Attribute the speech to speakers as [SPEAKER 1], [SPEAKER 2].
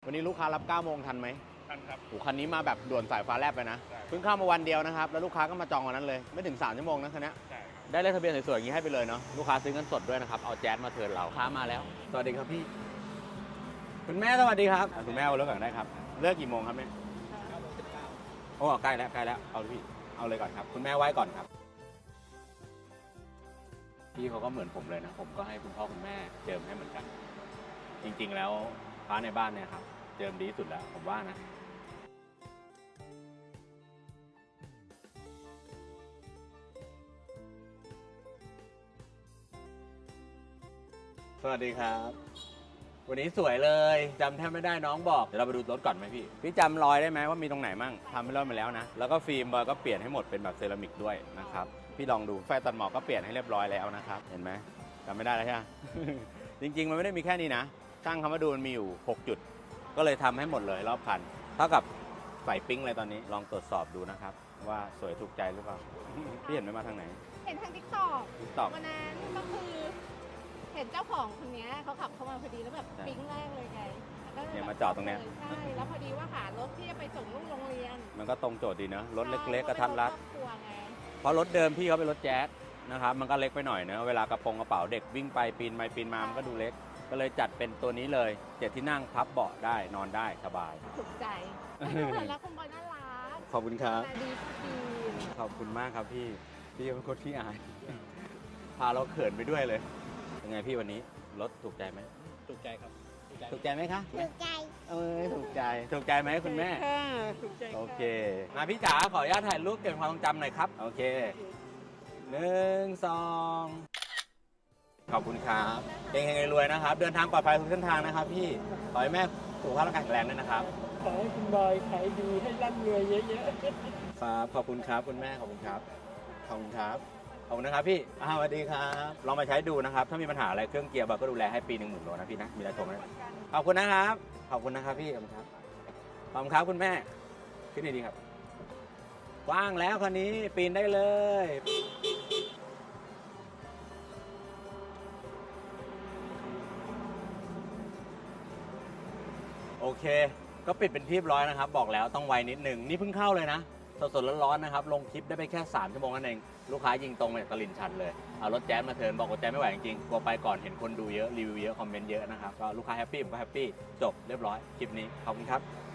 [SPEAKER 1] วันนี้ลูกค้ารับ9 โมงทันไหม
[SPEAKER 2] ทันครับ
[SPEAKER 1] โอ้คันนี้มาแบบด่วนสายฟ้าแลบไปนะเพิ่งเข้ามาวันเดียวนะครับแล้วลูกค้าก็มาจองวันนั้นเลยไม่ถึง3 ชั่วโมงนะคันนี้
[SPEAKER 2] ใช่ครับ
[SPEAKER 1] ได้เลขทะเบียนสวยๆอย่างนี้ให้ไปเลยเนาะลูกค้าซื้อเงินสดด้วยนะครับเอาแจ๊สมาเทิร์นเราค้ามาแล้วสวัสดีครับพี่คุณแม่สวัสดีครับคุณแม่เอาเลิกก่อนได้ครับเลิกกี่โมงครับเนี่ย9:19โอ้ใกล้แล้วเอาพี่เอาเลยก่อนครับคุณแม่ไว้ก่อนครับพี่เขาก็เหมือนผมเลยนะผมก็ให้คุณพ่อคุณแม่เจิมให้เหมือนกันจริงๆแล้วพระในบ้านเนี่ยครับเจิมดีที่สุดแล้วผมว่านะสวัสดีครับวันนี้สวยเลยจำแทบไม่ได้น้องบอกเดี๋ยวเราไปดูรถก่อนไหมพี่จำรอยได้ไหมว่ามีตรงไหนมั่งทำไปรอบมาแล้วนะแล้วก็ฟิล์มบอยก็เปลี่ยนให้หมดเป็นแบบเซรามิกด้วยนะครับพี่ลองดูไฟตัดหมอกก็เปลี่ยนให้เรียบร้อยแล้วนะครับเห็นไหมจำไม่ได้แล้วใช่ไหม จริงๆมันไม่ได้มีแค่นี้นะช่างเขามาดูมันมีอยู่6 จุดก็เลยทำให้หมดเลยรอบคันเท่ากับใส่ปิ๊งเลยตอนนี้ลองตรวจสอบดูนะครับว่าสวยถูกใจหรือเปล่า พี่เห็นไหมมาทางไหน
[SPEAKER 3] เห็นทางTikTok
[SPEAKER 1] ตอบ
[SPEAKER 3] วันนั้นก็คือเห็นเจ้าของคนนี้เขาขับเข้ามาพอดีแล้วแบบปิ๊งแรกเลยไงแล้วก็
[SPEAKER 1] เนี่ยมาจอดตรงเนี้ย
[SPEAKER 3] ใช่แล้วพอดีว่าหารถที่จะไปส่งลูกโรงเรียน
[SPEAKER 1] มันก็ตรงโจทย์ดีเนอะรถเล็กๆกระทัดรัด
[SPEAKER 3] ครอบครัวไง
[SPEAKER 1] เพราะรถเดิมพี่เขาเป็นรถแจ๊สนะครับมันก็เล็กไปหน่อยเนอะเวลากระเป๋าเด็กวิ่งไปปีนไปปีนมามันก็ดูเล็กก็เลยจัดเป็นตัวนี้เลย7 ที่นั่งพับเบาะได้นอนได้สบาย
[SPEAKER 3] ถูกใจ แล้วคุณบอยน่ารัก
[SPEAKER 1] ขอบคุณครับ
[SPEAKER 3] มาดีทุกที
[SPEAKER 1] ขอบคุณมากครับพี่เป็นคนที่อาย พาเราเขินไปด้วยเลยเป็นไงพี่วันนี้รถถูกใจไหม
[SPEAKER 2] ถูกใจครับ
[SPEAKER 1] ถูกใจไหมคะ
[SPEAKER 3] ถูกใจ
[SPEAKER 1] ถูกใจไหมคุณแม่
[SPEAKER 3] ค่ะถูกใจ
[SPEAKER 1] โอเคมาพี่จ๋าขออนุญาตถ่ายรูปเก็บความทรงจำหน่อยครับโอเค1 2ขอบคุณครับเฮงๆรวยๆนะครับเดินทางปลอดภัยทุกเส้นทางนะครับพี่ขอให้แม่สุขภาพร่างกายแข็งแรงด้วยนะครับ
[SPEAKER 4] ขอให้คุณบอยขายดีให้ร่ำรวยเยอะ
[SPEAKER 1] ครับขอบคุณครับคุณแม่ขอบคุณครับขอบคุณครับขอบคุณนะครับพี่สวัสดีครับลองมาใช้ดูนะครับถ้ามีปัญหาอะไรเครื่องเกียร์บอยก็ดูแลให้ปี 10,000 โลนะพี่นะมีอะไรโทรมาได้ขอบคุณนะครับขอบคุณนะครับพี่ขอบคุณครับขอบคุณครับคุณแม่ขึ้นดีๆครับกว้างแล้วคันนี้ปีนได้เลยโอเคก็ปิดเป็นที่เรียบร้อยนะครับบอกแล้วต้องไวนิดนึงนี่เพิ่งเข้าเลยนะสดๆร้อนๆนะครับลงคลิปได้ไปแค่3 ชั่วโมงนั่นเองลูกค้ายิงตรงมาจากตลิ่งชันเลยเอารถแจ๊สมาเทิร์นบอกว่าแจ๊สไม่ไหวจริงๆกลัวไปก่อนเห็นคนดูเยอะรีวิวเยอะคอมเมนต์เยอะนะครับก็ลูกค้าแฮปปี้ผมก็แฮปปี้จบเรียบร้อยคลิปนี้ขอบคุณครับ